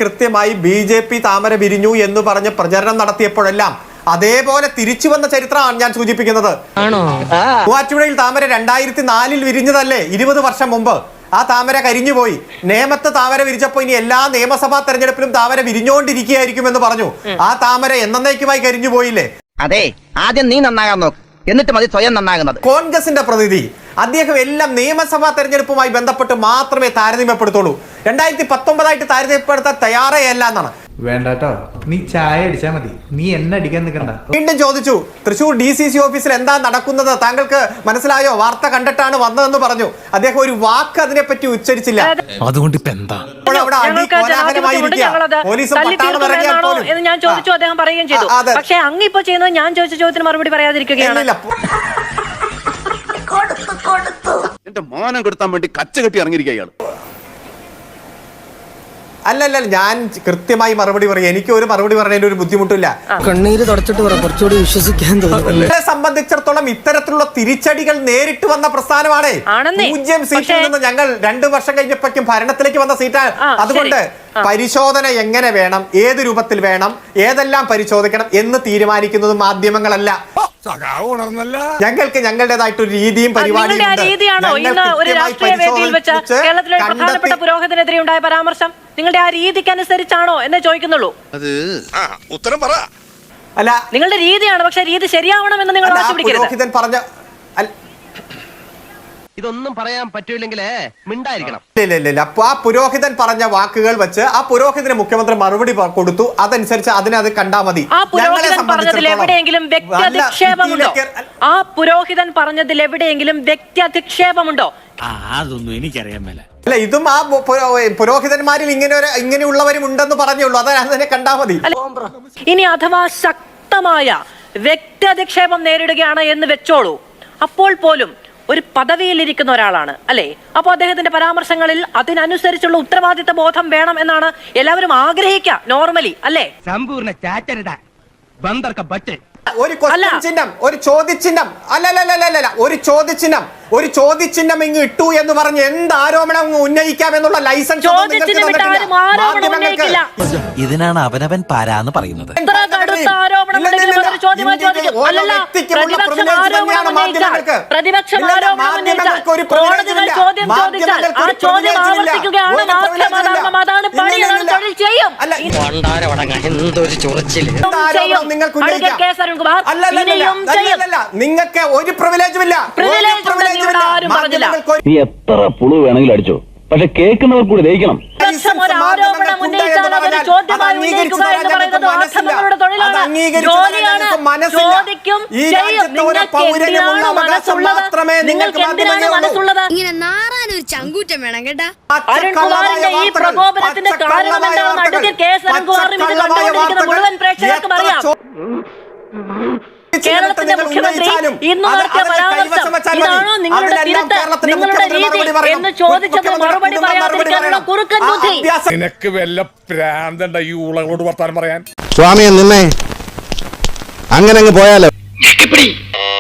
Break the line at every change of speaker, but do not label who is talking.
കൃത്യമായി BJP താമര വിരിഞ്ഞു എന്ന് പറഞ്ഞ് പ്രചരണം നടത്തിയപ്പോഴെല്ലാം അതേപോലെ തിരിച്ചു വന്ന ചരിത്രമാണ് ഞാൻ സൂചിപ്പിക്കുന്നത്. മൂവാറ്റുപുഴയിൽ താമര 2004 വിരിഞ്ഞതല്ലേ, 20 വർഷം മുമ്പ്. ആ താമര കരിഞ്ഞുപോയി. നേമത്ത് താമര വിരിച്ചപ്പോ ഇനി എല്ലാ നിയമസഭാ തെരഞ്ഞെടുപ്പിലും താമര വിരിഞ്ഞുകൊണ്ടിരിക്കുകയായിരിക്കും എന്ന് പറഞ്ഞു. ആ താമര എന്നേക്കുമായി കരിഞ്ഞു പോയില്ലേ?
അതെ, ആദ്യം നീ നന്നാകാൻ നോക്ക്, എന്നിട്ട് മതി സ്വയം നന്നാകുന്നത്.
കോൺഗ്രസിന്റെ പ്രതിനിധി അദ്ദേഹം എല്ലാം നിയമസഭാ തെരഞ്ഞെടുപ്പുമായി ബന്ധപ്പെട്ട് മാത്രമേ താരതമ്യപ്പെടുത്തുള്ളൂ. 2019 താരതമ്യപ്പെടുത്താൻ തയ്യാറേ അല്ല എന്നാണ്.
വേണ്ടട്ടോ, നീ ചായ അടിച്ചാ മതി, നീ എന്നെ അടിക്കാൻ നിൽക്കണ്ട.
വീണ്ടും ചോദിച്ചു, തൃശൂർ DCC ഓഫീസിൽ എന്താ നടക്കുന്നത്, താങ്കൾക്ക് മനസ്സിലായോ, വാർത്ത കണ്ടിട്ടാണ് വന്നതെന്ന് പറഞ്ഞു. അദ്ദേഹം ഒരു വാക്ക് അതിനെപ്പറ്റി ഉച്ചരിച്ചില്ല.
അതുകൊണ്ട് ഇപ്പൊ എന്താ
പോലീസും പട്ടാളം
എന്ന് ഞാൻ ചോദിച്ചു, അദ്ദേഹം പറയുകയും ചെയ്തു. പക്ഷേ അങ്ങ് ഇപ്പൊ ചെയ്യുന്നത് ഞാൻ ചോദിച്ച ചോദ്യത്തിന് മറുപടി പറയാതിരിക്കുകയാണ്.
എന്റെ മാനം കൊടുത്താൻ വേണ്ടി കച്ച കെട്ടി ഇറങ്ങിയിരിക്കുകയാണ്.
അല്ലല്ല, ഞാൻ കൃത്യമായി മറുപടി പറയും. എനിക്ക് ഒരു മറുപടി പറയുന്നതിന് ഒരു ബുദ്ധിമുട്ടില്ല.
കണ്ണീര് തുടച്ചിട്ട് കുറച്ചുകൂടി വിശ്വസിക്കാൻ തോന്നുന്നു.
സംബന്ധിച്ചിടത്തോളം ഇത്തരത്തിലുള്ള തിരിച്ചടികൾ നേരിട്ട് വന്ന പ്രസ്ഥാനമാണ്. 0 സീറ്റിൽ നിന്ന് ഞങ്ങൾ 2 വർഷം കഴിഞ്ഞപ്പോഴേക്കും ഭരണത്തിലേക്ക് വന്ന സീറ്റാണ്. അതുകൊണ്ട് പരിശോധന എങ്ങനെ വേണം, ഏത് രൂപത്തിൽ വേണം, ഏതെല്ലാം പരിശോധിക്കണം എന്ന് തീരുമാനിക്കുന്നത് മാധ്യമങ്ങളല്ല. ഞങ്ങൾക്ക് ഞങ്ങളുടേതായിട്ടൊരു രീതിയും പരിപാടിയും.
പ്രധാനപ്പെട്ട പുരോഹിതനെതിരെ ഉണ്ടായ പരാമർശം നിങ്ങളുടെ ആ രീതിക്ക് അനുസരിച്ചാണോ എന്ന് ചോദിക്കുന്നുള്ളൂ.
ഉത്തരം പറ.
അല്ല,
നിങ്ങളുടെ രീതിയാണ്, പക്ഷെ രീതി ശരിയാവണമെന്ന് നിങ്ങൾ
പുരോഹിതൻ പറഞ്ഞ
ഇതൊന്നും പറയാൻ പറ്റൂല്ലെങ്കിൽ മിണ്ടായിരിക്കണം.
ഇല്ല. അപ്പൊ ആ പുരോഹിതൻ പറഞ്ഞ വാക്കുകൾ വെച്ച് ആ പുരോഹിതന് മുഖ്യമന്ത്രി മറുപടി കൊടുത്തു. അതനുസരിച്ച് അത് കണ്ടാ മതി.
ആ പുരോഹിതൻ പറഞ്ഞതിൽ എവിടെയെങ്കിലും വ്യക്തി അധിക്ഷേപമുണ്ടോ? ആ പുരോഹിതൻ പറഞ്ഞതിൽ എവിടെയെങ്കിലും വ്യക്തി അധിക്ഷേപമുണ്ടോ?
അതൊന്നും എനിക്കറിയാൻ മേല.
അല്ല, ഇതും ആ പുരോഹിതന്മാരിൽ ഇങ്ങനെയുള്ളവരും ഉണ്ടെന്ന് പറഞ്ഞുള്ളൂ. അതിനെ കണ്ടാ മതി.
ഇനി അഥവാ ശക്തമായ വ്യക്തി അധിക്ഷേപം നേരിടുകയാണ് എന്ന് വെച്ചോളൂ. അപ്പോൾ പോലും ഒരു പദവിയിലിരിക്കുന്ന ഒരാളാണ് അല്ലേ? അപ്പൊ അദ്ദേഹത്തിന്റെ പരാമർശങ്ങളിൽ അതിനനുസരിച്ചുള്ള ഉത്തരവാദിത്ത ബോധം വേണം എന്നാണ് എല്ലാവരും ആഗ്രഹിക്കുക നോർമലി, അല്ലേ?
സമ്പൂർണ്ണ ചാറ്റരുത ബന്ദർക്ക ബട്ട്.
ഒരു ക്വസ്റ്റ്യൻ ചിഹ്നം, ഒരു ചോദ്യചിഹ്നം, അല്ലല്ല, ഒരു ചോദ്യചിഹ്നം ഇങ്ങ് ഇട്ടു എന്ന് പറഞ്ഞ് എന്ത് ആരോപണം ഉന്നയിക്കാം എന്നുള്ള ലൈസൻസ്
ഇതിനാണ് അവനവൻ പാരാന്ന് പറയുന്നത്.
നിങ്ങൾക്ക് ഒരു പ്രിവിലേജും ഇല്ല.
നീ എത്ര പുളു വേണമെങ്കിലും അടിച്ചോ, പക്ഷെ കേൾക്കുന്നവർ കൂടി ദഹിക്കണം.
ഇങ്ങനെ നാറാനൊരു ചങ്കൂറ്റം വേണം കേട്ടാ.
ഈ പ്രകോപനത്തിന്റെ കാരണം എന്താണെന്ന് അഡ്വക്കേറ്റ് കെ എസ് അരുൺകുമാറും ഇത് കണ്ടുകൊണ്ടിരിക്കുന്ന മുഴുവൻ പ്രേക്ഷകർക്കും അറിയാം. കേരളത്തിന്റെ മുഖ്യമന്ത്രി ഇന്ന് നടത്തിയ പരാമർശം ഇതാണോ നിങ്ങളുടെ തിരുത്ത്, നിങ്ങളുടെ രീതി എന്ന് ചോദിച്ചത് മറുപടി പറയാതിരിക്കാനുള്ള കുറുക്കൻ ബുദ്ധി.
നിനക്ക് വല്ല പ്രാന്തണ്ട ഈ ഊളകളോട് വർത്താനം പറയാൻ?
സ്വാമിയെ നിന്നെ അങ്ങനെ അങ്ങ് പോയാലോ.